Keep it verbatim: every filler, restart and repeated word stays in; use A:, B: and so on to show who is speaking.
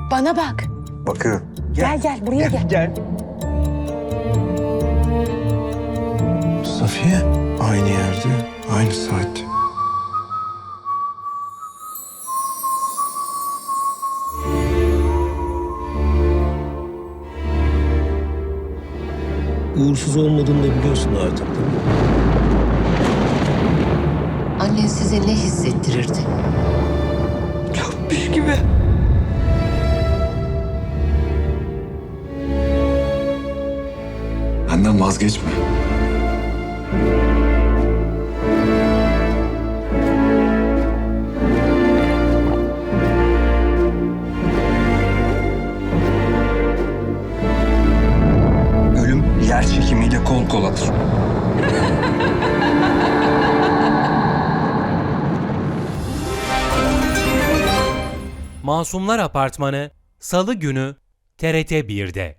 A: Bana bak.
B: Bakıyorum.
A: Gel gel buraya gel.
B: Gel. Safiye aynı yerde, aynı saatte.
C: Uğursuz olmadığını da biliyorsun artık, değil mi?
D: Annen size ne hissettirirdi?
A: Çökmüş gibi.
B: Benden vazgeçme. Ölüm yer çekimiyle kol koladır.
E: Masumlar Apartmanı Salı günü T R T bir'de.